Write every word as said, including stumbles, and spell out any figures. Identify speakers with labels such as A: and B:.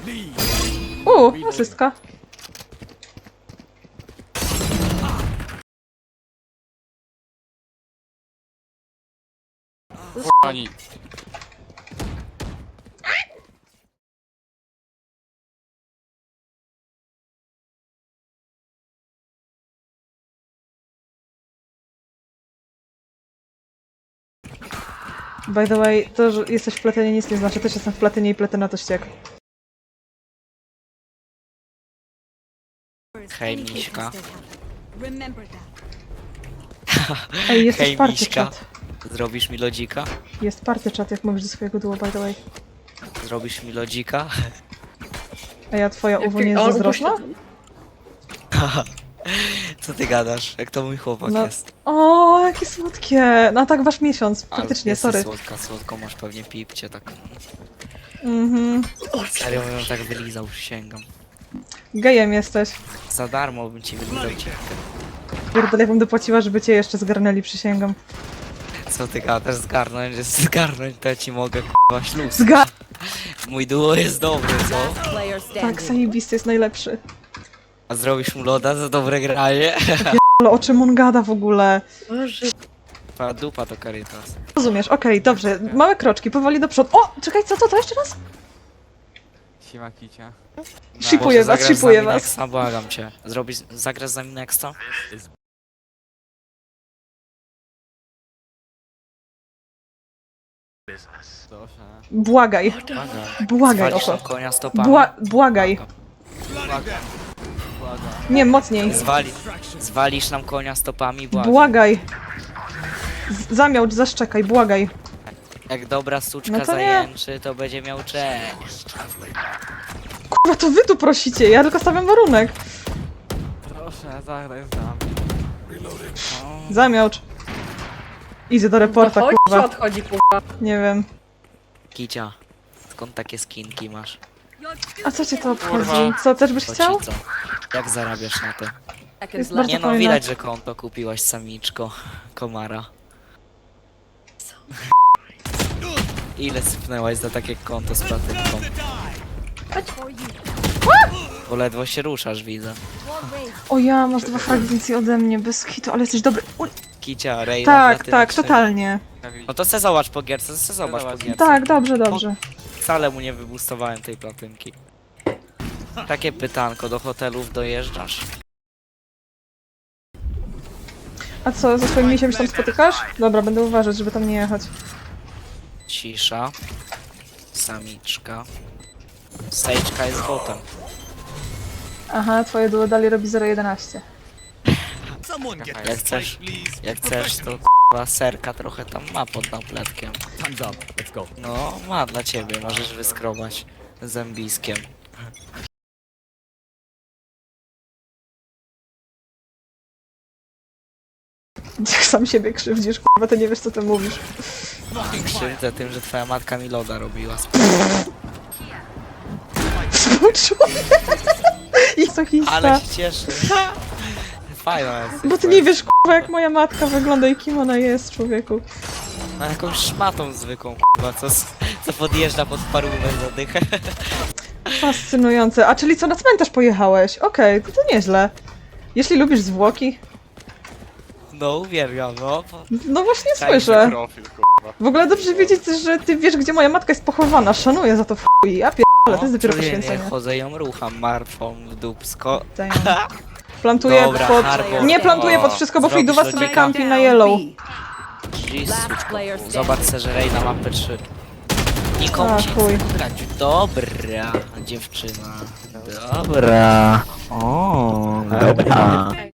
A: Uuu, asystka.
B: Pani.
A: By the way, to, że jesteś w platynie nic nie znaczy. Też jestem w platynie i platyna to ściek.
C: Hej, Miśka.
A: Ej, jest
C: Hej,
A: też party
C: Miśka.
A: chat.
C: Zrobisz mi lodzika?
A: Jest party chat, jak mówisz do swojego duo, by the way.
C: Zrobisz mi lodzika?
A: A ja twoja uwo nie jest zazdrosna?
C: Co ty gadasz? Jak to mój chłopak
A: No.
C: jest?
A: O, jakie słodkie! No tak wasz miesiąc,
C: Ale
A: faktycznie,
C: jesteś
A: sorry.
C: słodka, słodko masz pewnie pipcie tak.
A: Mhm.
C: Serio bym ją tak wylizał, przysięgam.
A: Gejem jesteś.
C: Za darmo bym ci wylizał ciepkę.
A: Pierdolę, ja bym dopłaciła, żeby cię jeszcze zgarnęli, przysięgam.
C: Co ty gadasz? Zgarnąć, że zgarnąć to ja ci mogę k***a śluz.
A: Zga...
C: Mój duo jest dobry, co?
A: Tak, zajebisty jest najlepszy.
C: A zrobisz mu loda za dobre granie?
A: Ale o czym on gada w ogóle?
C: Pa dupa to Caritas.
A: Rozumiesz, okej, dobrze. Małe kroczki, powoli do przodu. O, czekaj, co to? To jeszcze raz?
B: Siema kicia.
A: Shipuję
C: Może
A: was,
C: zagrasz
A: shipuję
C: z nami
A: was.
C: Nexta? Błagam cię. Zrobisz, zagrasz z nami Nexta?
B: Proszę.
A: Błagaj,
C: Błagam.
A: błagaj o
C: Zwalisz
A: to.
C: nam konia stopami?
A: Bła... Błagaj.
B: Błagam.
A: Nie, mocniej.
C: Zwali, zwalisz nam konia stopami? Błagam.
A: Błagaj. Z- Zamiałcz, zaszczekaj, błagaj.
C: Jak dobra suczka
A: No to nie.
C: zajęczy, to będzie miał cześć.
A: Kurwa, to wy tu prosicie, ja tylko stawiam warunek.
B: Proszę, zagraj z nami.
A: Zamiałcz. Idzie do reporta,
D: Dochodzi, czy
A: kurwa.
D: odchodzi, kurwa?
A: Nie wiem.
C: Kicia, skąd takie skinki masz?
A: A co cię to obchodzi? Co, też byś
C: To
A: chciał?
C: ci co? Jak zarabiasz na to?
A: Jest bardzo
C: Nie no,
A: fajne.
C: widać, że konto kupiłaś samiczko. Komara. Ile sypnęłaś za takie konto z platynką? Bo ledwo się ruszasz, widzę.
A: O ja, masz dwa fragmenty ode mnie, bez hitu, ale jesteś dobry. Uj,
C: Kicia, Rejna,
A: tak,
C: platyna
A: tak,
C: trzy.
A: totalnie.
C: No to se zobacz po gierce, se zobacz po gierce.
A: Tak, dobrze, dobrze.
C: Wcale mu nie wybustowałem tej platynki. Takie pytanko, do hotelów dojeżdżasz?
A: A co, ze swoim misiem się tam spotykasz? Dobra, będę uważać, żeby tam nie jechać.
C: Cisza. Samiczka. Sejczka jest botem.
A: Aha, twoje duo dalej robi zero jedenaście.
C: Jak chcesz, jak chcesz to k***a serka trochę tam ma pod napletkiem. No, ma dla ciebie, możesz wyskrobać zębiskiem.
A: Jak sam siebie krzywdzisz, kurwa, to nie wiesz co ty mówisz.
C: Krzywdę tym, że twoja matka mi loda robiła.
A: Współczuję. I co hista.
C: Ale się cieszę. Fajna jest.
A: Bo ty nie wiesz, kurwa, jak moja matka wygląda i kim ona jest, człowieku.
C: No jakąś szmatą zwykłą, k***a, co, s- co podjeżdża pod parumę za dychę.
A: Fascynujące. A czyli co, na cmentarz pojechałeś? Okej, to, to nieźle. Jeśli lubisz zwłoki.
C: No uwielbiam, no.
A: No właśnie
C: Czaisz
A: słyszę.
B: Profil, kurwa.
A: W ogóle dobrze wiedzieć, że ty wiesz, gdzie moja matka jest pochowana. Szanuję za to w chuj. Ja pierdolę, to jest dopiero
C: czuję, nie
A: poświęcenie.
C: chodzę ją rucham martwą w dupsko.
A: Damn. Plantuję
C: Dobra,
A: pod...
C: Harbo.
A: Nie plantuję pod wszystko, bo
C: Zrobisz
A: Fiduwa sobie
C: lodzika?
A: kampi na yellow.
C: Jezuczko, zobacz se, że Rejna ma P trzy. Nikomu
A: A,
C: się
A: chuj.
C: nie chce grać. Dobra, dziewczyna. Dobra. O, dobra.